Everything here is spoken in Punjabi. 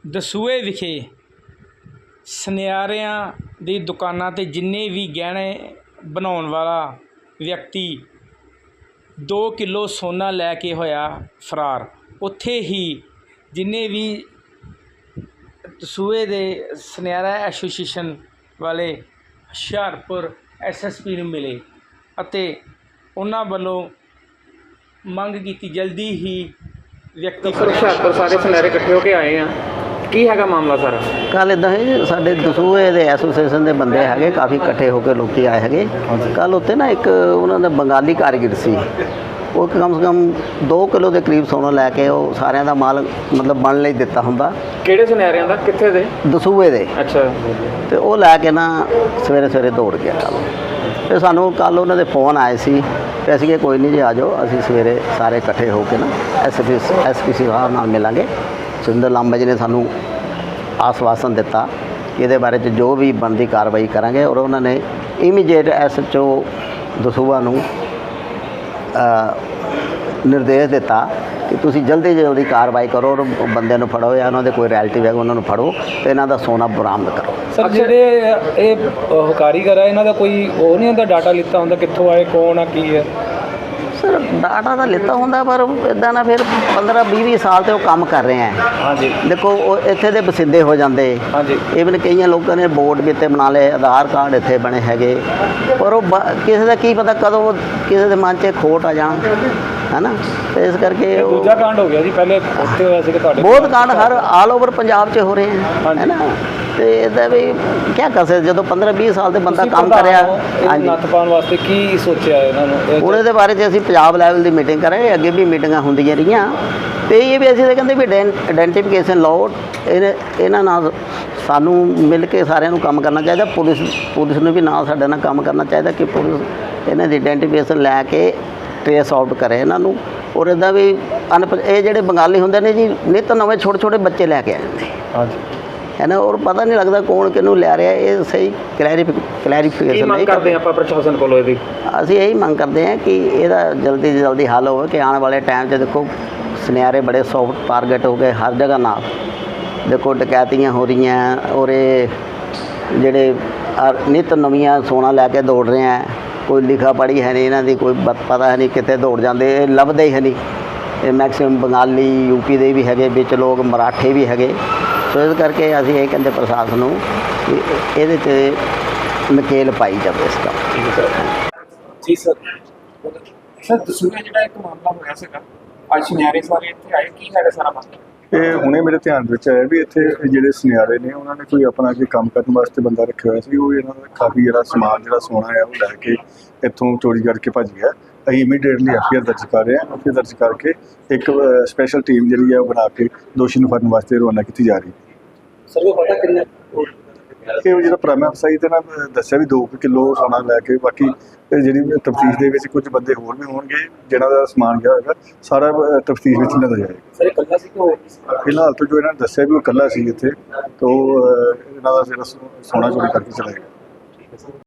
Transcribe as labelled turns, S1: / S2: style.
S1: ਦਸੂਹੇ ਵਿਖੇ ਸੁਨਿਆਰਿਆਂ ਦੀ ਦੁਕਾਨਾਂ 'ਤੇ ਜਿੰਨੇ ਵੀ ਗਹਿਣੇ ਬਣਾਉਣ ਵਾਲਾ ਵਿਅਕਤੀ 2 ਕਿਲੋ ਸੋਨਾ ਲੈ ਕੇ ਹੋਇਆ ਫਰਾਰ। ਉੱਥੇ ਹੀ ਜਿੰਨੇ ਵੀ ਦਸੂਹੇ ਦੇ ਸੁਨਿਆਰਾ ਐਸੋਸੀਏਸ਼ਨ ਵਾਲੇ ਹੁਸ਼ਿਆਰਪੁਰ SSP ਨੂੰ ਮਿਲੇ ਅਤੇ ਉਹਨਾਂ ਵੱਲੋਂ ਮੰਗ ਕੀਤੀ ਜਲਦੀ ਹੀ ਵਿਅਕਤੀ
S2: ਹੁਸ਼ਿਆਰਪੁਰ ਸਾਰੇ ਸੁਨਿਆਰੇ ਇਕੱਠੇ ਹੋ ਕੇ ਆਏ ਆ। ਕੀ ਹੈਗਾ ਮਾਮਲਾ ਸਾਰਾ?
S3: ਕੱਲ ਇੱਦਾਂ ਹੈ ਜੀ, ਸਾਡੇ ਦਸੂਹੇ ਦੇ ਐਸੋਸੀਏਸ਼ਨ ਦੇ ਬੰਦੇ ਹੈਗੇ, ਕਾਫੀ ਇਕੱਠੇ ਹੋ ਕੇ ਲੋਕੀ ਆਏ ਹੈਗੇ। ਕੱਲ ਉੱਥੇ ਨਾ ਇੱਕ ਉਹਨਾਂ ਦਾ ਬੰਗਾਲੀ ਕਾਰੀਗਰ ਸੀ, ਉਹ ਕਮ ਸੇ ਕਮ 2 ਕਿਲੋ ਦੇ ਕਰੀਬ ਸੋਨਾ ਲੈ ਕੇ ਉਹ ਸਾਰਿਆਂ ਦਾ ਮਾਲ ਮਤਲਬ ਬਣ ਲਈ ਦਿੱਤਾ ਹੁੰਦਾ।
S2: ਕਿਹੜੇ ਸੁਨਿਆਰਿਆਂ ਦਾ? ਕਿੱਥੇ ਦੇ?
S3: ਦਸੂਹੇ ਦੇ।
S2: ਅੱਛਾ।
S3: ਤੇ ਉਹ ਲੈ ਕੇ ਨਾ ਸਵੇਰੇ ਦੌੜ ਗਿਆ ਕੱਲ੍ਹ। ਤੇ ਸਾਨੂੰ ਕੱਲ੍ਹ ਉਹਨਾਂ ਦੇ ਫੋਨ ਆਏ ਸੀ ਤੇ ਅਸੀਂ ਕਿਹਾ ਕੋਈ ਨਹੀਂ ਜੀ ਆ ਜਾਓ, ਅਸੀਂ ਸਵੇਰੇ ਸਾਰੇ ਇਕੱਠੇ ਹੋ ਕੇ ਨਾ SSP ਸਾਹਿਬ ਨਾਲ ਮਿਲਾਂਗੇ। ਸੁਰਿੰਦਰ ਲਾਂਬਾ ਜੀ ਨੇ ਸਾਨੂੰ ਆਸਵਾਸਨ ਦਿੱਤਾ ਕਿ ਇਹਦੇ ਬਾਰੇ 'ਚ ਜੋ ਵੀ ਬਣਦੀ ਕਾਰਵਾਈ ਕਰਾਂਗੇ, ਔਰ ਉਹਨਾਂ ਨੇ ਇਮੀਡੀਏਟ SHO ਦਸੂਹਾ ਨੂੰ ਨਿਰਦੇਸ਼ ਦਿੱਤਾ ਕਿ ਤੁਸੀਂ ਜਲਦੀ ਕਾਰਵਾਈ ਕਰੋ ਔਰ ਬੰਦਿਆਂ ਨੂੰ ਫੜੋ, ਜਾਂ ਉਹਨਾਂ ਦੇ ਕੋਈ ਰਿਲੇਟਿਵ ਹੈ ਉਹਨਾਂ ਨੂੰ ਫੜੋ ਤੇ ਇਹਨਾਂ ਦਾ ਸੋਨਾ ਬਰਾਮਦ ਕਰੋ।
S1: ਸਰ, ਜਿਹੜੇ ਇਹ ਕਾਰੀਗਰ ਆ ਇਹਨਾਂ ਦਾ ਕੋਈ ਉਹ ਨਹੀਂ ਹੁੰਦਾ, ਡਾਟਾ ਲਿੱਤਾ ਹੁੰਦਾ ਕਿੱਥੋਂ ਆਏ, ਕੌਣ ਆ, ਕੀ ਹੈ?
S3: ਸਰ ਡਾਟਾ ਤਾਂ ਲਿੱਤਾ ਹੁੰਦਾ, ਪਰ ਇੱਦਾਂ ਨਾ ਫਿਰ 15-20 ਸਾਲ ਤੇ ਉਹ ਕੰਮ ਕਰ ਰਹੇ ਹੈ।
S1: ਹਾਂਜੀ।
S3: ਦੇਖੋ ਉਹ ਇੱਥੇ ਦੇ ਵਸਿੰਦੇ ਹੋ ਜਾਂਦੇ। ਹਾਂਜੀ। ਇਵਨ ਕਈਆਂ ਲੋਕਾਂ ਨੇ ਬੋਰਡ ਵੀ ਇੱਥੇ ਬਣਾ ਲਏ, ਆਧਾਰ ਕਾਰਡ ਇੱਥੇ ਬਣੇ ਹੈਗੇ, ਪਰ ਉਹ ਕਿਸੇ ਦਾ ਕੀ ਪਤਾ ਕਦੋਂ ਕਿਸੇ ਦੇ ਮਨ 'ਚ ਖੋਟ ਆ ਜਾਣ, ਹੈ ਨਾ। ਤੇ ਇਸ ਕਰਕੇ
S1: ਦੂਜਾ ਕਾਂਡ ਹੋ ਗਿਆ ਜੀ, ਪਹਿਲੇ ਉੱਥੇ ਹੋਇਆ ਸੀ ਤੁਹਾਡੇ
S3: ਬਹੁਤ ਕਾਂਡ ਹਰ ਆਲ ਓਵਰ ਪੰਜਾਬ 'ਚ ਹੋ ਰਹੇ ਹੈ, ਹੈ ਨਾ। ਤੇ ਇਹਦਾ ਵੀ ਕੀ ਕਰ ਸਕਦੇ, ਜਦੋਂ 15-20 ਸਾਲ ਦੇ ਬੰਦਾ ਕੰਮ ਕਰਿਆ।
S1: ਹਾਂਜੀ। ਨੱਥ ਪਾਉਣ ਵਾਸਤੇ ਕੀ ਸੋਚਿਆ ਇਹਨਾਂ ਨੂੰ?
S3: ਹੁਣ ਇਹਦੇ ਬਾਰੇ 'ਚ ਅਸੀਂ ਪੰਜਾਬ ਲੈਵਲ ਦੀ ਮੀਟਿੰਗ ਕਰਾਂਗੇ, ਅੱਗੇ ਵੀ ਮੀਟਿੰਗਾਂ ਹੁੰਦੀਆਂ ਰਹੀਆਂ। ਤੇ ਇਹ ਵੀ ਅਸੀਂ ਤਾਂ ਕਹਿੰਦੇ ਵੀ ਆਇਡੈਂਟੀਫਿਕੇਸ਼ਨ ਲਾਓ, ਇਹਨਾਂ ਨਾਲ ਸਾਨੂੰ ਮਿਲ ਕੇ ਸਾਰਿਆਂ ਨੂੰ ਕੰਮ ਕਰਨਾ ਚਾਹੀਦਾ। ਪੁਲਿਸ ਨੂੰ ਵੀ ਨਾਲ ਸਾਡੇ ਨਾਲ ਕੰਮ ਕਰਨਾ ਚਾਹੀਦਾ ਕਿ ਪੁਲਿਸ ਇਹਨਾਂ ਦੀ ਆਇਡੈਂਟੀਫਿਕੇਸ਼ਨ ਲੈ ਕੇ ਟ੍ਰੇਸ ਆਊਟ ਕਰੇ ਇਹਨਾਂ ਨੂੰ। ਔਰ ਇੱਦਾਂ ਵੀ ਇਹ ਜਿਹੜੇ ਬੰਗਾਲੀ ਹੁੰਦੇ ਨੇ ਜੀ, ਨਿੱਤ ਨਵੇਂ ਛੋਟੇ ਬੱਚੇ ਲੈ ਕੇ ਆ ਜਾਂਦੇ। ਹਾਂਜੀ। ਹੈ ਨਾ, ਔਰ ਪਤਾ ਨਹੀਂ ਲੱਗਦਾ ਕੌਣ ਕਿਹਨੂੰ ਲੈ ਰਿਹਾ। ਇਹ ਸਹੀ ਕਲੈਰੀਫਿਕੇਸ਼ਨ
S2: ਨਹੀਂ ਕਰਦੇ ਆਪਾਂ ਪ੍ਰਸ਼ਾਸਨ ਕੋਲੋਂ। ਇਹਦੀ
S3: ਅਸੀਂ ਇਹੀ ਮੰਗ ਕਰਦੇ ਹਾਂ ਕਿ ਇਹਦਾ ਜਲਦੀ ਤੋਂ ਜਲਦੀ ਹੱਲ ਹੋਵੇ, ਕਿ ਆਉਣ ਵਾਲੇ ਟਾਈਮ 'ਚ ਦੇਖੋ ਸੁਨਿਆਰੇ ਬੜੇ ਸੌਫਟ ਟਾਰਗੇਟ ਹੋ ਗਏ ਹਰ ਜਗ੍ਹਾ ਨਾਲ। ਦੇਖੋ ਡਕੈਤੀਆਂ ਹੋ ਰਹੀਆਂ, ਔਰ ਇਹ ਜਿਹੜੇ ਨਿੱਤ ਨਵੀਆਂ ਸੋਨਾ ਲੈ ਕੇ ਦੌੜ ਰਹੇ ਹੈ, ਕੋਈ ਲਿਖਾ ਪੜ੍ਹੀ ਹੈ ਨਹੀਂ ਇਹਨਾਂ ਦੀ, ਕੋਈ ਪਤਾ ਹੈ ਨਹੀਂ ਕਿੱਥੇ ਦੌੜ ਜਾਂਦੇ, ਇਹ ਲੱਭਦੇ ਹੀ ਹੈ ਨਹੀਂ। ਇਹ ਮੈਕਸੀਮਮ ਬੰਗਾਲੀ UP ਦੇ ਵੀ ਹੈਗੇ, ਵਿੱਚ ਲੋਕ ਮਰਾਠੇ ਵੀ ਹੈਗੇ। ਸੋ ਇਸ ਕਰਕੇ ਅਸੀਂ ਇਹ ਕਹਿੰਦੇ ਪ੍ਰਸ਼ਾਸਨ ਨੂੰ ਕਿ ਇਹਦੇ 'ਤੇ ਨਕੇਲ ਪਾਈ ਜਾਵੇ ਇਸ ਦਾ।
S2: ਜੀ ਸਰ। ਸਰ ਦਸੂਹੇ ਜਿਹੜਾ ਇੱਕ ਮਾਮਲਾ ਹੋਇਆ ਸੀਗਾ, ਅੱਜ ਸੁਨਿਆਰੇ ਸਾਰੇ ਇੱਥੇ ਆਏ, ਕੀ ਹੈਗਾ ਸਾਰਾ ਮਾਮਲਾ?
S4: ਇਹ ਹੁਣੇ ਮੇਰੇ ਧਿਆਨ ਵਿੱਚ ਆਇਆ ਵੀ ਇੱਥੇ ਜਿਹੜੇ ਸੁਨਿਆਰੇ ਨੇ ਉਹਨਾਂ ਨੇ ਕੋਈ ਆਪਣਾ ਕੋਈ ਕੰਮ ਕਰਨ ਵਾਸਤੇ ਬੰਦਾ ਰੱਖਿਆ ਹੋਇਆ ਸੀ। ਉਹ ਇਹਨਾਂ ਦਾ ਕਾਫੀ ਜਿਹੜਾ ਸਮਾਨ ਜਿਹੜਾ ਸੋਨਾ ਹੈ ਉਹ ਲੈ ਕੇ ਇੱਥੋਂ ਚੋਰੀ ਕਰਕੇ ਭੱਜ ਗਿਆ। ਅਸੀਂ ਇਮੀਡੀਏਟਲੀ FIR ਦਰਜ ਕਰ ਰਹੇ ਹਾਂ। FIR ਦਰਜ ਕਰਕੇ ਇੱਕ ਸਪੈਸ਼ਲ ਟੀਮ ਜਿਹੜੀ ਹੈ ਉਹ ਬਣਾ ਕੇ ਦੋਸ਼ੀ ਨੂੰ ਫੜਨ ਵਾਸਤੇ ਰਵਾਨਾ ਕੀਤੀ ਜਾ ਰਹੀ ਹੈ।
S2: ਸਰ ਉਹ ਪਤਾ ਕਿੰਨਾ
S4: ਇਹ ਜਿਹੜਾ ਪ੍ਰਾਇਮਰੀ ਅਫਸਰ ਤੇ ਨਾ ਦੱਸਿਆ ਵੀ 2 ਕਿਲੋ ਸੋਨਾ ਲੈ ਕੇ, ਬਾਕੀ ਜਿਹੜੀ ਤਫਤੀਸ਼ ਦੇ ਵਿੱਚ ਕੁਝ ਬੰਦੇ ਹੋਰ ਵੀ ਹੋਣਗੇ ਜਿਹਨਾਂ ਦਾ ਸਮਾਨ ਗਿਆ ਹੋਏਗਾ, ਸਾਰਾ ਤਫਤੀਸ਼ ਵਿੱਚ ਲਿਆਂਦਾ ਜਾਏਗਾ।
S2: ਸਰ ਇਕੱਲਾ ਸੀ ਕਿ ਹੋਰ?
S4: ਫਿਲਹਾਲ ਤਾਂ ਜੋ ਇਹਨਾਂ ਨੇ ਦੱਸਿਆ ਵੀ ਉਹ ਇਕੱਲਾ ਸੀ ਇੱਥੇ, ਤਾਂ ਇਹਨਾਂ ਦਾ ਜਿਹੜਾ ਸੋਨਾ ਚੋਰੀ ਕਰਕੇ ਚਲਾ ਗਿਆ।